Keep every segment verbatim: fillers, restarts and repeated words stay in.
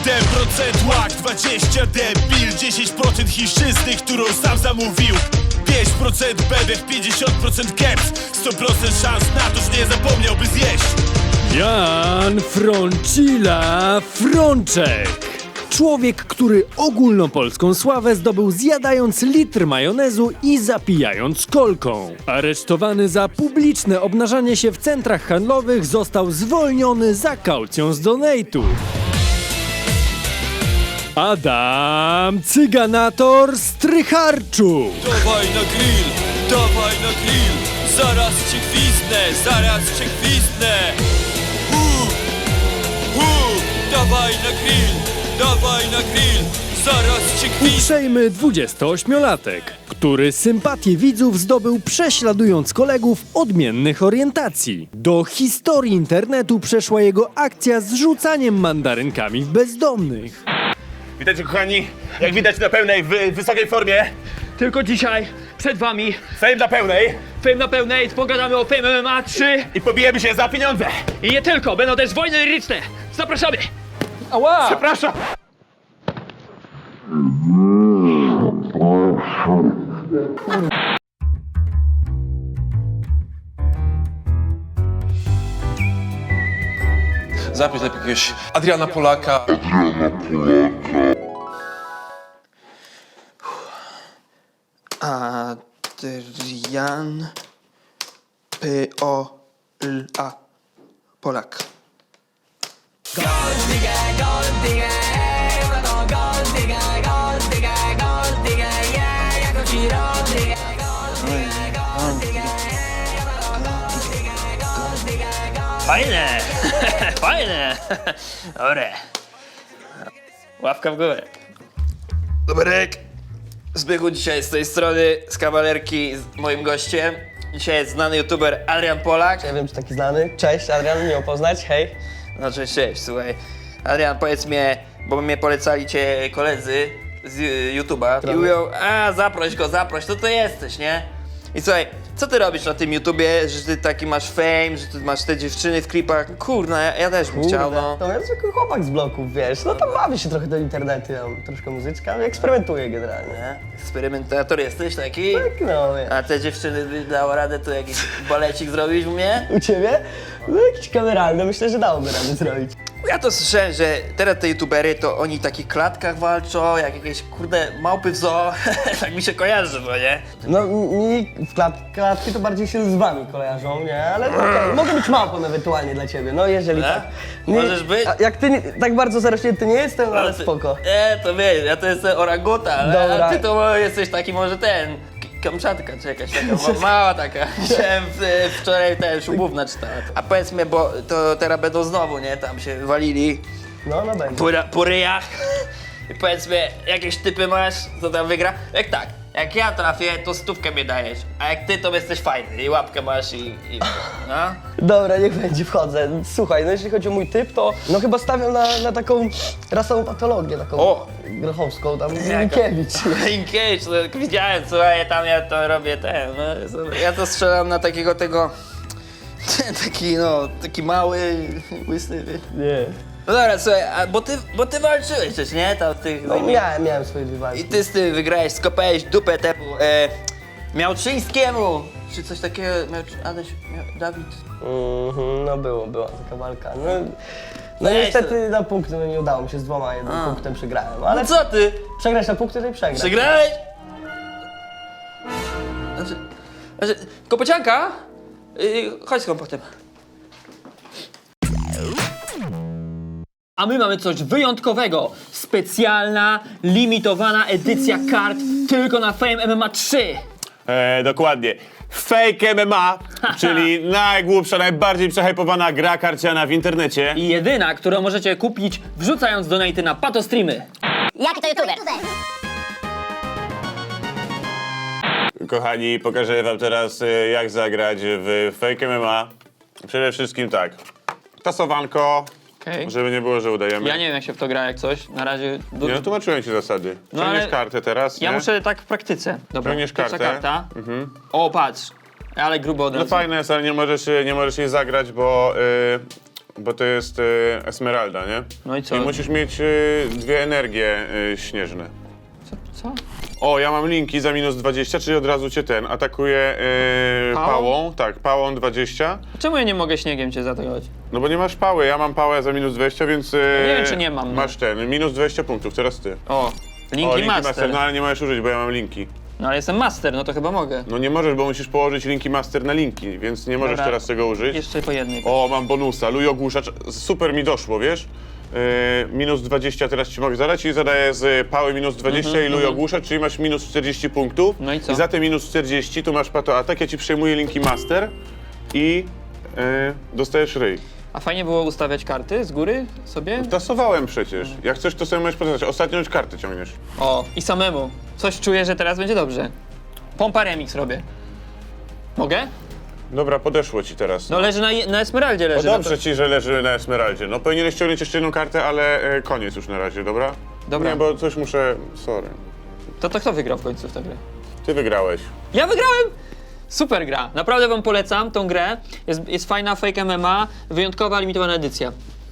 siedem procent łak, dwadzieścia debil, dziesięć procent chińszczyzny, którą sam zamówił, pięć procent bebech, pięćdziesiąt procent keps, sto procent szans na to, że nie zapomniałby zjeść. Jan Froncilla Frączek. Człowiek, który ogólnopolską sławę zdobył zjadając litr majonezu i zapijając kolką. Aresztowany za publiczne obnażanie się w centrach handlowych, został zwolniony za kaucją z donate'u. Adam Cyganator Strycharczuk. Dawaj na grill, dawaj na grill, zaraz cię gwizdnę, zaraz cię gwizdnę. Hu, hu, dawaj na grill, dawaj na grill, zaraz cię gwizdnę. Uprzejmy dwudziestoośmiolatek, który sympatię widzów zdobył prześladując kolegów odmiennych orientacji. Do historii internetu przeszła jego akcja z rzucaniem mandarynkami w bezdomnych. Witajcie kochani, jak widać na pełnej, w wysokiej formie. Tylko dzisiaj przed wami Fame na pełnej Fame na pełnej, pogadamy o Fame M M A trzy i pobijemy się za pieniądze. i nie tylko, będą też wojny liryczne. Zapraszamy! Ała! Przepraszam. Zapisz lepiej jakiegoś Adriana Polaka. Adrian P O L A Polak. Fajne! Fajne! Dobre. Łapka w górę. Doberek! Zbychu dzisiaj z tej strony, z kawalerki, z moim gościem. Dzisiaj jest znany youtuber Adrian Polak. Nie wiem, czy taki znany. Cześć, Adrian, miło poznać, hej. No cześć, cześć, słuchaj. Adrian, powiedz mi, bo mnie polecali cię koledzy z y, YouTube'a i mówią, a zaproś go, zaproś, to to jesteś, nie? I słuchaj, co ty robisz na tym YouTubie, że ty taki masz fame, że ty masz te dziewczyny w klipach? Kurna, ja, ja też bym chciał, no. To jest zwykły chłopak z bloków, wiesz. No to bawię się trochę do internetu, tam troszkę muzyczka, ale eksperymentuję generalnie. Nie? Eksperymentator jesteś taki? Tak, no, wiesz. A te dziewczyny by dało radę tu jakiś balecik zrobić u mnie? U ciebie? No jakiś kameralny, myślę, że dałoby radę zrobić. Ja to słyszałem, że teraz te youtubery to oni w takich klatkach walczą, jak jakieś kurde małpy w zoo, tak mi się kojarzy, no nie? No mi w klat klatki to bardziej się z wami kojarzą, nie? Ale okej, mogę być małpą ewentualnie dla ciebie, no jeżeli Tak? tak. Możesz być? A jak ty nie, tak bardzo zarośnięty nie jestem, ale ty- spoko. Nie, to wiesz, ja to jestem oranguta, ale Dobra. a ty to jesteś taki może ten, K- Kamczatka czy jakaś taka ma- mała taka. Chciałem w, wczoraj ten szubówna czytała. A powiedz mi, bo to teraz będą znowu, nie? Tam się walili No, no będzie. po, ra- po ryjach. I powiedz mi, jakieś typy masz, co tam wygra? Jak tak, jak ja trafię, to stówkę mi dajesz, a jak ty, to jesteś fajny i łapkę masz i... i no. Dobra, niech będzie, wchodzę. Słuchaj, no jeśli chodzi o mój typ, to no chyba stawiam na, na taką rasową patologię, taką O! grochowską, tam Jaka? Minkiewicz. Linkiewicz, no, widziałem, słuchaj, tam ja to robię, ten, no, ja to strzelam na takiego tego, taki no, taki mały, łysy, wiesz. Nie. No dobra, słuchaj, a, bo ty, bo ty walczyłeś też, nie? Tam w tych, No miałem, miałem swoje dwie walki. I ty z tym wygrałeś, skopałeś dupę temu, e, Miałczyńskiemu, czy coś takiego, miał, Adaś, miał, Dawid. Mhm, no było, była taka walka. No, no Weź niestety na punkty no, nie udało mi się z dwoma, jednym A. punktem przegrałem. Ale No co ty, przegrać na punkty to i przegrać. przegrałeś? Znaczy, znaczy, kopocianka? Yy, chodź z kompotem. A my mamy coś wyjątkowego. Specjalna, limitowana edycja kart tylko na Fame M M A trzy. E, dokładnie. Fake M M A, czyli najgłupsza, najbardziej przehypowana gra karciana w internecie. I jedyna, którą możecie kupić wrzucając donaty na patostreamy. Jaki to youtuber? Kochani, pokażę wam teraz, e, jak zagrać w Fake M M A. Przede wszystkim tak. Tasowanko, Okej. żeby nie było, że udajemy. Ja nie wiem jak się w to gra jak coś. Na razie... Du- Nie, no tłumaczyłem ci zasady. No, Ciągniesz ale kartę teraz, ja nie? muszę tak w praktyce. Dobra, Ciągniesz pierwsza kartę. karta. O, patrz. Ale grubo od No razu. fajne jest, ale nie możesz, nie możesz jej zagrać, bo bo to jest y, Esmeralda, nie? No i co? I musisz mieć y, dwie energie y, śnieżne. Co? O, ja mam linki za minus dwadzieścia, czyli od razu cię ten atakuję y, Pałą? pałą. Tak, pałą dwadzieścia. Czemu ja nie mogę śniegiem cię zaatakować? No bo nie masz pały, ja mam pałę za minus dwadzieścia, więc... y, Nie wiem, czy nie mam, no. Masz ten, minus dwadzieścia punktów, teraz ty. O, linki, o, linki master. master. No ale nie możesz użyć, bo ja mam linki. No ale jestem master, no to chyba mogę. No nie możesz, bo musisz położyć linki master na linki, więc nie możesz Dobra. teraz tego użyć. Jeszcze po jednej. O, mam bonusa, luj ogłuszacz, super mi doszło, wiesz? Yy, minus dwadzieścia teraz ci mogę zadać i zadaję z pały minus dwadzieścia i luj ogłuszacz, czyli masz minus czterdzieści punktów. No i co? I za te minus czterdzieści tu masz pato atak, ja ci przejmuję linki master i yy, dostajesz ryj. A fajnie było ustawiać karty z góry sobie? Tasowałem przecież. Jak chcesz, to sobie możesz pokazać. Ostatnią już kartę ciągniesz. O, i samemu. Coś czuję, że teraz będzie dobrze. Pompa remix robię. Mogę? Dobra, podeszło ci teraz. No leży na, na Esmeraldzie No leży. dobrze no to... ci, że leży na Esmeraldzie. No powinieneś ściągnąć jeszcze jedną kartę, ale e, koniec już na razie, dobra? Dobra. Nie, bo coś muszę... Sorry. to to kto wygrał w końcu w tę grę? Ty wygrałeś. Ja wygrałem! Super gra. Naprawdę wam polecam tą grę. Jest, jest fajna fake M M A, wyjątkowa, limitowana edycja.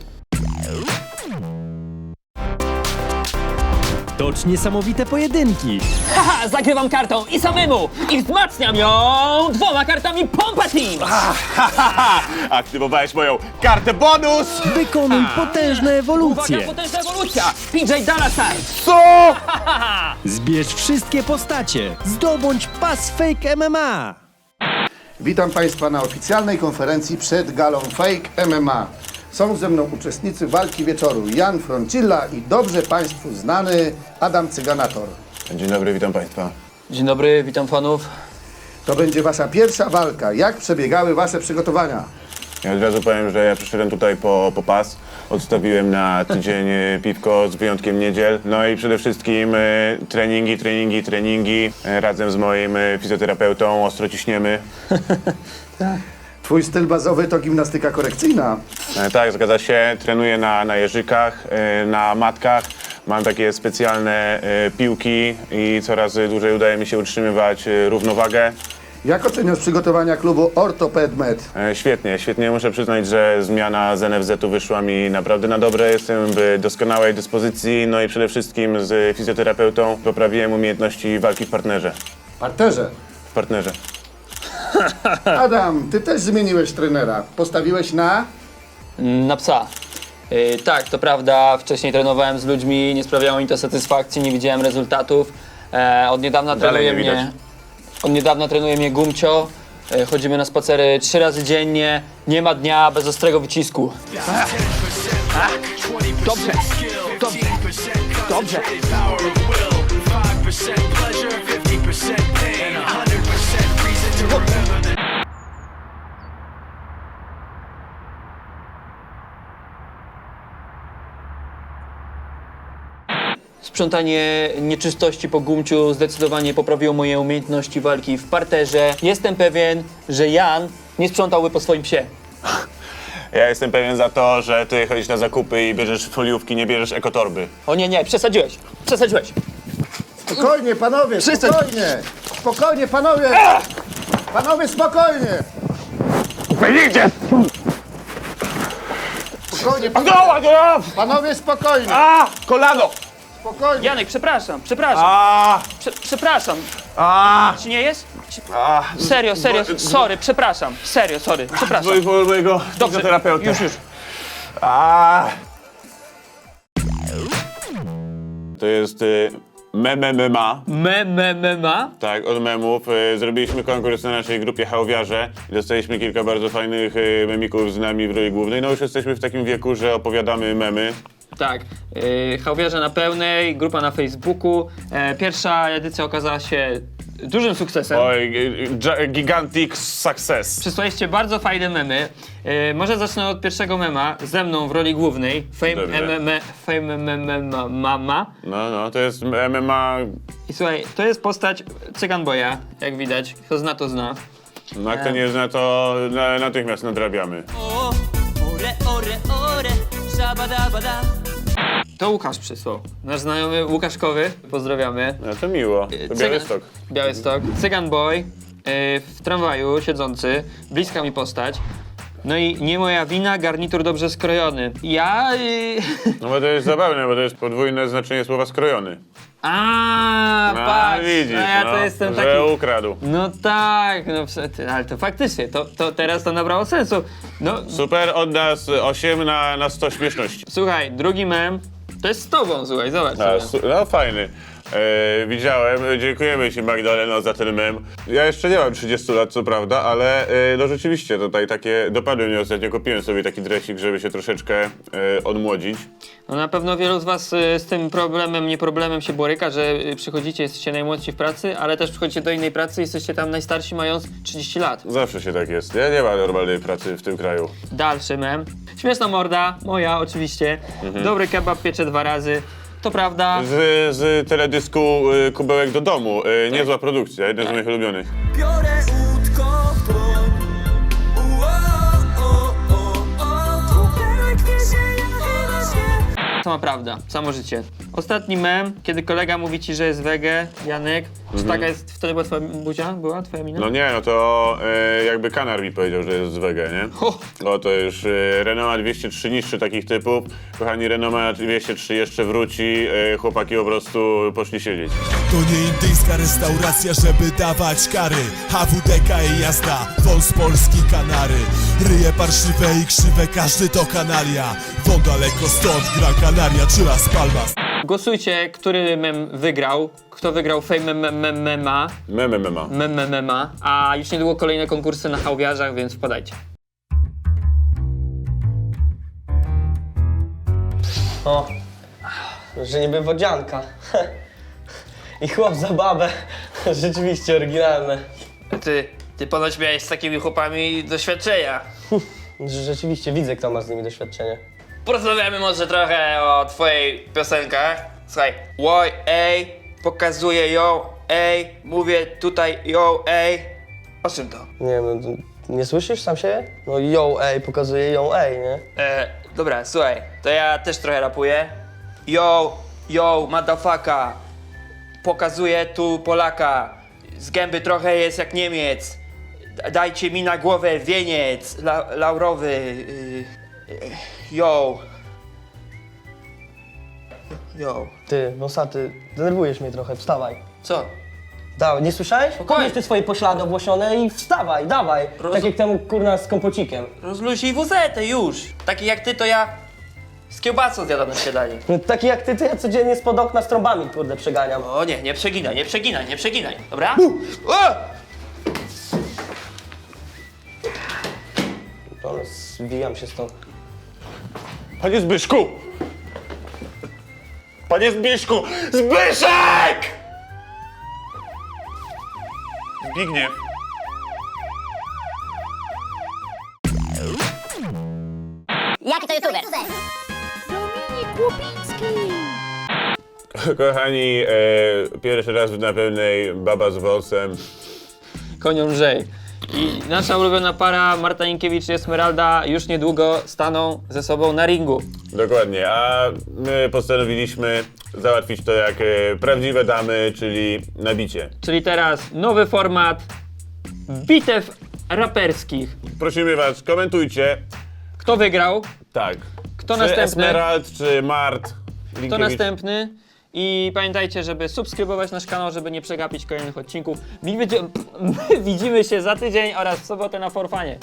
Tocz niesamowite pojedynki. Haha, zagrywam kartą i samemu! I wzmacniam ją dwoma kartami Pompa Team! Haha! Aktywowałeś moją kartę bonus! Wykonuj potężne ewolucje. Uwaga, potężna ewolucja! P J Dalasar! Co? Zbierz wszystkie postacie. Zdobądź pas Fake M M A. Witam Państwa na oficjalnej konferencji przed galą Fake M M A. Są ze mną uczestnicy walki wieczoru Jan Froncilla i dobrze Państwu znany Adam Cyganator. Dzień dobry, witam Państwa. Dzień dobry, witam fanów. To będzie Wasza pierwsza walka. Jak przebiegały Wasze przygotowania? Ja od razu powiem, że ja przyszedłem tutaj po, po pas. Odstawiłem na tydzień e, piwko z wyjątkiem niedziel. No i przede wszystkim e, treningi, treningi, treningi. E, razem z moim e, fizjoterapeutą ostro ciśniemy. Twój styl bazowy to gimnastyka korekcyjna. E, tak, zgadza się. Trenuję na, na jeżykach, e, na matkach. Mam takie specjalne e, piłki i coraz dłużej udaje mi się utrzymywać e, równowagę. Jak oceniasz przygotowania klubu Ortoped Med? E, Świetnie, świetnie. Muszę przyznać, że zmiana z N F Z-u wyszła mi naprawdę na dobre. Jestem w doskonałej dyspozycji, no i przede wszystkim z fizjoterapeutą poprawiłem umiejętności walki w partnerze. Parterze. W partnerze. Adam, Ty też zmieniłeś trenera. Postawiłeś na... Na psa. Yy, tak, to prawda, wcześniej trenowałem z ludźmi, nie sprawiało mi to satysfakcji, nie widziałem rezultatów. E, od niedawna Dalej trenuje nie widać. mnie. Od niedawna trenuje mnie Gumcio. E, chodzimy na spacery trzy razy dziennie, nie ma dnia bez ostrego wycisku. Dobrze, dobrze, dobrze. Sprzątanie nieczystości po Gumciu zdecydowanie poprawiło moje umiejętności walki w parterze. Jestem pewien, że Jan nie sprzątałby po swoim psie. Ja jestem pewien za to, że ty chodzisz na zakupy i bierzesz foliówki, nie bierzesz ekotorby. O nie, nie, przesadziłeś, przesadziłeś. Spokojnie, panowie, spokojnie! Spokojnie, panowie! Panowie, spokojnie! Idzie! Spokojnie, panowie! Panowie, spokojnie! A! Kolano! Spokojnie! Janek, przepraszam, przepraszam, A! Prze przepraszam. A! Ci nie jest? Ci... A! Serio, serio, sorry, przepraszam, serio, sorry, przepraszam. Dzwoń po mojego fizjoterapeuty. już, już. A! To jest y, mem M M A. Me, me, me, ma? Tak, od memów. Y, zrobiliśmy konkurs na naszej grupie Hałwiarze i dostaliśmy kilka bardzo fajnych y, memików z nami w roli głównej. No już jesteśmy w takim wieku, że opowiadamy memy. Tak, yy, Hałwiarze na pełnej, grupa na Facebooku. E, pierwsza edycja okazała się dużym sukcesem. Oj, y, y, gigantic success. Przysłaliście bardzo fajne memy. E, może zacznę od pierwszego mema, ze mną w roli głównej. Fame Dobrze. M M A, Fame M M A Mama. No, no, to jest M M A. I słuchaj, to jest postać Cygan Boya, jak widać. Kto zna, to zna. No, jak to nie zna, to na, natychmiast nadrabiamy. O, ore, ore, ore, szabadabada. To Łukasz przysłał. Nasz znajomy Łukaszkowy. Pozdrawiamy. No to miło. To Białystok. Białystok. Cygan Boy. Yy, w tramwaju siedzący. Bliska mi postać. No i nie moja wina, garnitur dobrze skrojony. Ja... Yy... No bo to jest zabawne, bo to jest podwójne znaczenie słowa skrojony. A, No patrz, widzisz, no ja no, to jestem że taki... ukradł. No tak, no ty, ale to faktycznie, to, to teraz to nabrało sensu. No, Super, od nas osiem na, na sto śmieszności. słuchaj, drugi mem, to jest z tobą, słuchaj, zobacz A, sobie. su- no fajny. E, widziałem, dziękujemy Ci Magdaleno za ten mem. Ja jeszcze nie mam trzydziestu lat, co prawda, ale e, no rzeczywiście tutaj takie dopadły mnie ostatnio. Kupiłem sobie taki dresik, żeby się troszeczkę e, odmłodzić. No na pewno wielu z was y, z tym problemem, nie problemem się boryka, że y, przychodzicie, jesteście najmłodsi w pracy, ale też przychodzicie do innej pracy, jesteście tam najstarsi mając trzydzieści lat. Zawsze się tak jest. Ja nie ma normalnej pracy w tym kraju. Dalszy mem. Śmieszna morda, moja oczywiście. Dobry kebab piecze dwa razy. To prawda. Z, z teledysku y, Kubełek do domu. Y, niezła produkcja, jeden z moich ulubionych. Biorę łódko w dłoń. Ua, o, o, o. Kubełek wiezie, ja chyba się. Sama prawda, samo życie. Ostatni mem, kiedy kolega mówi ci, że jest wege, Janek. Czy taka jest, wtedy była twoja buzia? Była twoja mina? No nie, no to e, jakby Kanar mi powiedział, że jest z wege, nie? Ho! No to już e, Renault dwieście trzy niższy takich typów. Kochani, Renault dwieście trzy jeszcze wróci, e, chłopaki po prostu poszli siedzieć. To nie indyjska restauracja, żeby dawać kary. H W D K i jazda, wąs polski Kanary. Ryje parszywe i krzywe, każdy to kanalia. Wąt daleko stąd, Gran Canaria czy Las Palmas. Głosujcie, który mem wygrał. Kto wygrał Fame mem mem mema. Meme, mema. Mem mem mema. A już niedługo kolejne konkursy na hałwiarzach, więc wpadajcie. O, że niby wodzianka. I chłop za babę. Rzeczywiście oryginalne. Ty, ty ponoć miałeś z takimi chłopami doświadczenia. Że Rzeczywiście widzę, kto ma z nimi doświadczenie. Porozmawiamy może trochę o twojej piosenkach. Słuchaj, łoj, ej, pokazuję ją, ej, mówię tutaj ją, ej. O czym to? Nie wiem, no, nie słyszysz sam siebie? No yo, ej, pokazuje ją, ej, nie? E, dobra, słuchaj, to ja też trochę rapuję. Yo, yo, motherfucker, pokazuję tu Polaka. Z gęby trochę jest jak Niemiec. D- Dajcie mi na głowę wieniec la laurowy. Y, y, yo. Yo. Ty, nosaty, denerwujesz mnie trochę, wstawaj. Co? Dawaj, nie słyszałeś? Spokojnie. Podnieś ty swoje poślady obłosione i wstawaj, dawaj. Roz- Tak jak temu kurna z kompocikiem. Rozluźnij wuzetę już. Taki jak ty, to ja z kiełbasą zjadam na śniadanie. No, taki jak ty, to ja codziennie spod okna z trąbami, kurde, przeganiam. O nie, nie przeginaj, nie przeginaj, nie przeginaj, dobra? O! Dobra, zbijam się stąd. Panie Zbyszku! Panie Zbyszku! Zbyszek! Zbigniew. Jaki to youtuber? Kochani, e, pierwszy raz na pełnej baba z wąsem. Konią lżej. I nasza ulubiona para Marta Inkiewicz i Esmeralda już niedługo staną ze sobą na ringu. Dokładnie, a my postanowiliśmy załatwić to jak e, prawdziwe damy, czyli na bicie. Czyli teraz nowy format bitew raperskich. Prosimy was, komentujcie. Kto wygrał? Tak. Kto czy następny? Esmerald, czy Mart? Kto Linkiewicz? następny? I pamiętajcie, żeby subskrybować nasz kanał, żeby nie przegapić kolejnych odcinków. My będzie- my widzimy się za tydzień oraz w sobotę na Forfanie.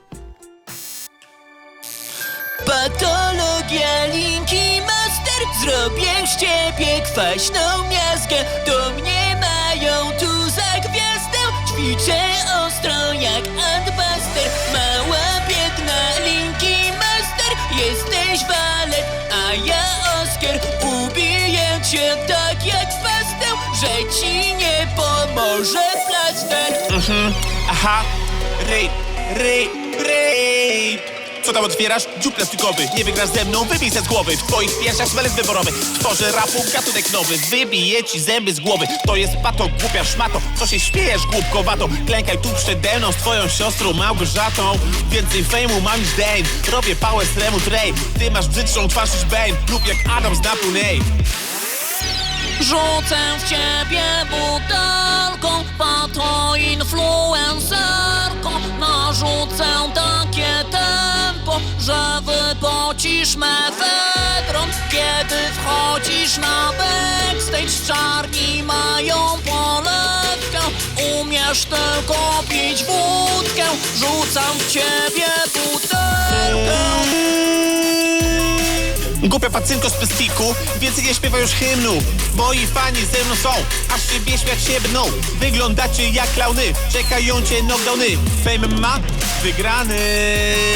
Patologia Linki Master. Zrobię z ciebie kwaśną miazgę. Do mnie mają tu za gwiazdę. Ćwiczę ostro jak Antbuster. Mała biedna Linki Master. Jesteś walet, a ja Oskar. Ubiję cię tak jak pastę, że ci nie pomoże plaster. Aha, ryj, ryj, ryj. Co tam otwierasz? Dziób plastikowy. Nie wygrasz ze mną, wybij se z głowy. W twoich piersiach smelec wyborowy. Tworzę rapu gatunek nowy. Wybiję ci zęby z głowy. To jest pato, głupia szmato. Co się śmiejesz głupkowato? Klękaj tu przede mną z twoją siostrą Małgorzatą. Więcej fejmu mam niż Dane. Robię pałę z Remu Tray. Ty masz brzydszą twarz niż Bane. Lub jak Adam z Napu Nate. Rzucę w ciebie butelką, pato influencerką. Narzucę takie te że wypocisz mefedron. Kiedy wchodzisz na backstage, czarni mają polewkę. Umiesz tylko pić wódkę, rzucam w ciebie butelkę. Głupia pacynko z plastiku, więcej nie śpiewa już hymnu. Moi fani ze mną są, aż ciebie śmiać się bną. Wyglądacie jak klauny, czekają cię knockdowny. Fame ma wygrany.